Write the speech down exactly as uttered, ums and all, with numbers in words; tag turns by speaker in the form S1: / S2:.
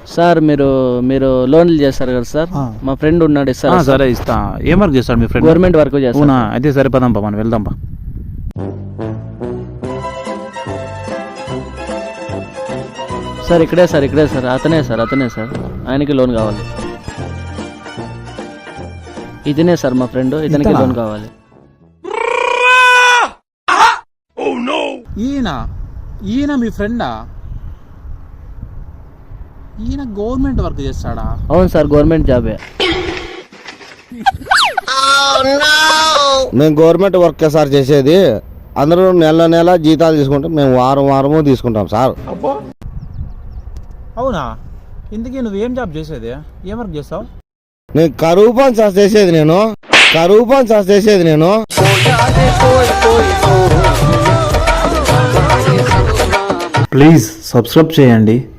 S1: Sir మీరు మీరు లోన్లు చేస్తారు కదా సార్, మా ఫ్రెండ్ ఉన్నాడు సార్.
S2: సరే ఇస్తా. ఏం వర్క్ చేస్తాడు మీ ఫ్రెండ్?
S1: గవర్నమెంట్ వర్క్ చేస్తాడు.
S2: అవునా, అయితే సరిపోదాంపా, మనం వెళ్దాంపా.
S1: సార్ ఇక్కడే సార్ ఇక్కడే సార్ అతనే సార్ అతనే సార్ ఆయనకి లోన్ కావాలి. ఇతనే సార్ మా ఫ్రెండ్, ఇతనికి లోన్ కావాలి.
S2: ఈయన ఈయన మీ ఫ్రెండా? ఈయన గవర్నమెంట్ వర్క్ చేస్తాడా?
S1: అవును సార్, గవర్నమెంట్ జాబే.
S3: మేము గవర్నమెంట్ వర్క్ సార్ చేసేది. అందరూ నెల నెల జీతాలు తీసుకుంటాం, మేము వారం వారము తీసుకుంటాం సార్.
S2: అవునా? ఇంతకీ నువ్వేం జాబ్ చేసేది? ఏం వర్క్ చేస్తావు?
S3: నేను కరువు పని సార్ చేసేది నేను కరువు పని సార్ చేసేది నేను
S4: ప్లీజ్ సబ్స్క్రైబ్ చేయండి.